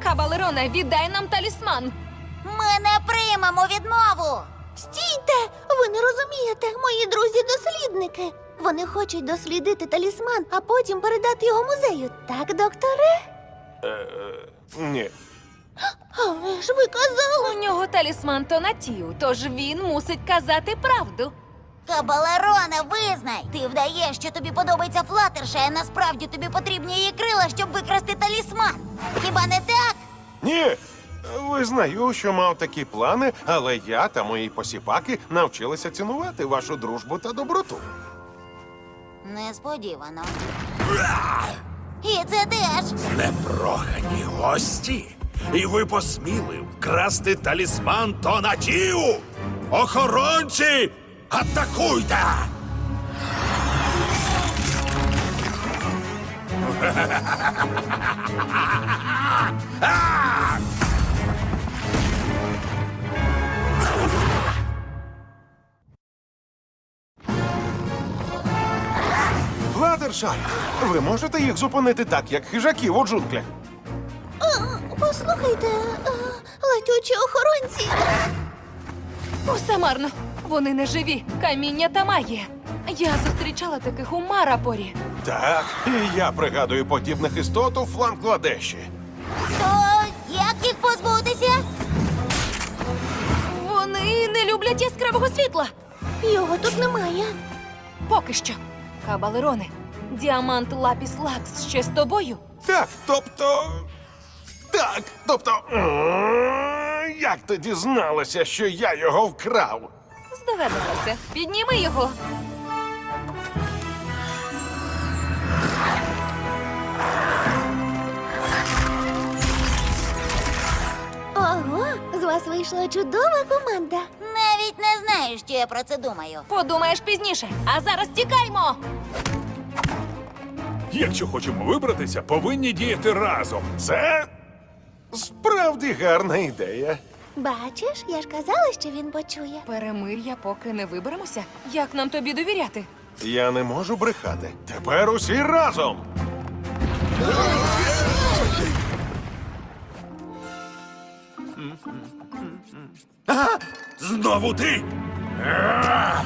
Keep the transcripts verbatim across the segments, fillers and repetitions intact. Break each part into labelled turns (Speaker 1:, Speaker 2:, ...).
Speaker 1: Кабалероне, віддай нам талісман!
Speaker 2: Ми не приймемо відмову!
Speaker 3: Стійте! Ви не розумієте, мої друзі-дослідники. Вони хочуть дослідити талісман, а потім передати його музею. Так, докторе?
Speaker 4: Ні.
Speaker 3: Але ж ви казали.
Speaker 1: У нього талісман Тонатію, тож він мусить казати правду.
Speaker 2: Кабалероне, визнай! Ти вдаєш, що тобі подобається Флаттершай, а насправді тобі потрібні її крила, щоб викрасти талісман. Хіба не так?
Speaker 4: Ні. Визнаю, що мав такі плани, але я та мої посіпаки навчилися цінувати вашу дружбу та доброту.
Speaker 2: Несподівано. І це теж.
Speaker 5: Непрохані гості. І ви посміли вкрасти талісман Тонатію! Охоронці! Атакуйте!
Speaker 4: Флаттершай, ви можете їх зупинити так, як хижаків у джунглях?
Speaker 3: А, послухайте, а, летючі охоронці.
Speaker 1: Усе марно. Вони не живі. Каміння та магія. Я зустрічала таких у Марапорі.
Speaker 4: Так, і я пригадую подібних істот у Флангладеші.
Speaker 2: То як їх позбутися?
Speaker 1: Вони не люблять яскравого світла.
Speaker 3: Його тут немає.
Speaker 1: Поки що. Кабалероне, діамант Лапіс Лакс ще з тобою?
Speaker 4: Так, тобто. Так, тобто. м, Як ти дізналася, що я його вкрав?
Speaker 1: Здогадалася. Підніми його.
Speaker 3: Ого, з вас вийшла чудова команда.
Speaker 2: Навіть не знаю, що я про це думаю.
Speaker 1: Подумаєш пізніше. А зараз тікаймо.
Speaker 5: Якщо хочемо вибратися, повинні діяти разом.
Speaker 4: Це справді гарна ідея.
Speaker 3: Бачиш, я ж казала, що він почує.
Speaker 1: Перемир'я, поки не виберемося. Як нам тобі довіряти?
Speaker 4: Я не можу брехати. Тепер усі разом.
Speaker 5: Знову ти? А!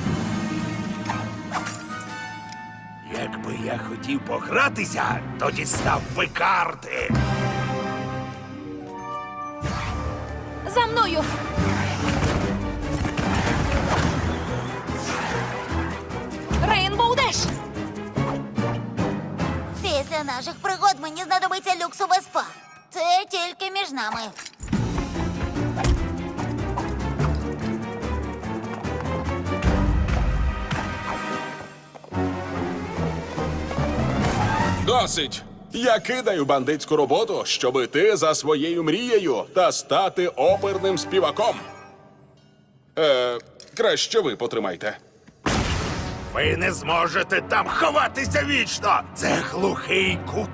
Speaker 5: Якби я хотів погратися, то дістав би карти.
Speaker 1: За мною! Рейнбоу Деш!
Speaker 2: Після наших пригод мені знадобиться люксове спа. Це тільки між нами.
Speaker 6: Досить! Я кидаю бандитську роботу, щоб іти за своєю мрією та стати оперним співаком. Е, краще ви потримайте.
Speaker 5: Ви не зможете там ховатися вічно! Це глухий кут.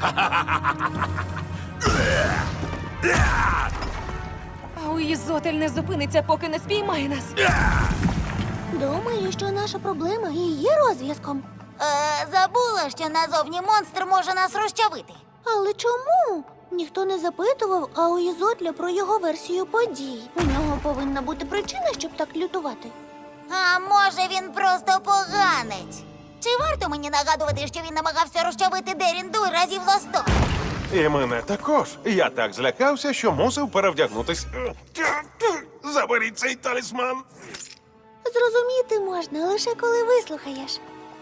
Speaker 1: А у Ізотель не зупиниться, поки не спіймає нас.
Speaker 3: Думаю, що наша проблема і є розв'язком.
Speaker 2: Е, забула, що назовні монстр може нас розчавити.
Speaker 3: Але чому? Ніхто не запитував, а у Ізотля про його версію подій. У нього повинна бути причина, щоб так лютувати.
Speaker 2: А може він просто поганець? Чи варто мені нагадувати, що він намагався розчавити Деріндуй разів за сто?
Speaker 4: І мене також. Я так злякався, що мусив перевдягнутись. Заберіть цей талісман.
Speaker 3: Зрозуміти можна лише коли вислухаєш.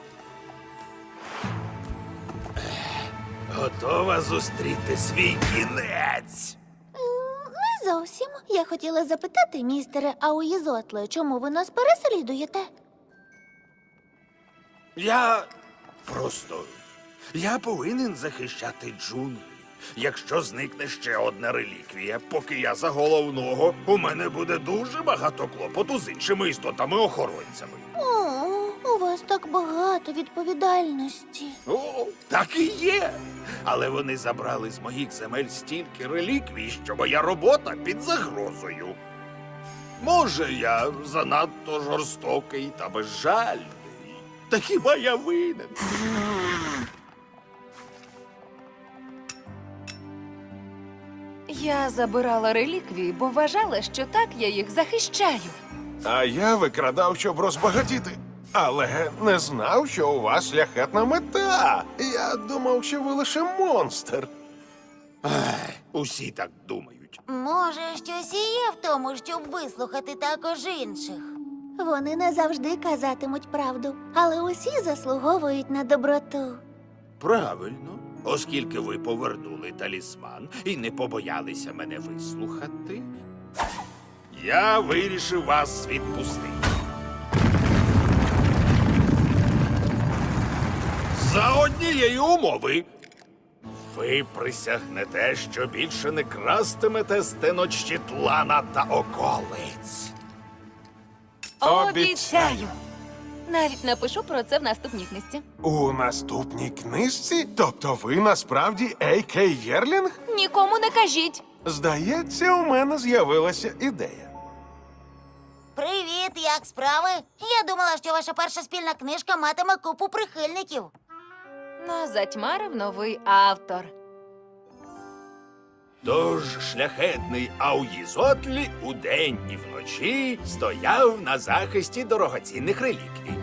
Speaker 5: Готова зустріти свій кінець.
Speaker 3: М, Не зовсім. Я хотіла запитати, містере Ауїзотле, чому ви нас переслідуєте?
Speaker 5: Я просто. Я повинен захищати джунглі. Якщо зникне ще одна реліквія, поки я за головного, у мене буде дуже багато клопоту з іншими істотами-охоронцями.
Speaker 3: О, у вас так багато відповідальності.
Speaker 5: О, так і є. Але вони забрали з моїх земель стільки реліквій, що моя робота під загрозою. Може, я занадто жорстокий та безжальний. Та хіба я винен?
Speaker 3: Е,
Speaker 1: Я забирала реліквії, бо вважала, що так я їх захищаю.
Speaker 4: А я викрадав, щоб розбагатіти. Але не знав, що у вас шляхетна мета. Я думав, що ви лише монстр.
Speaker 5: Усі так думають.
Speaker 2: Може, щось і є в тому, щоб вислухати також інших.
Speaker 3: Вони не завжди казатимуть правду, але усі заслуговують на доброту.
Speaker 5: Правильно, оскільки ви повернули талісман і не побоялися мене вислухати, я вирішив вас відпустити. За однієї умови. Ви присягнете, що більше не крастимете з Теночтітлана та околиць.
Speaker 1: Обіцяю! Навіть напишу про це в наступній книжці.
Speaker 4: У наступній книжці? Тобто ви насправді Ей Кей Єрлінг?
Speaker 1: Нікому не кажіть.
Speaker 4: Здається, у мене з'явилася ідея.
Speaker 2: Привіт, як справи? Я думала, що ваша перша спільна книжка матиме купу прихильників.
Speaker 1: Нас затьмарив новий автор.
Speaker 5: Тож шляхетний Ауїзотлі удень і вночі стояв на захисті дорогоцінних реліквій.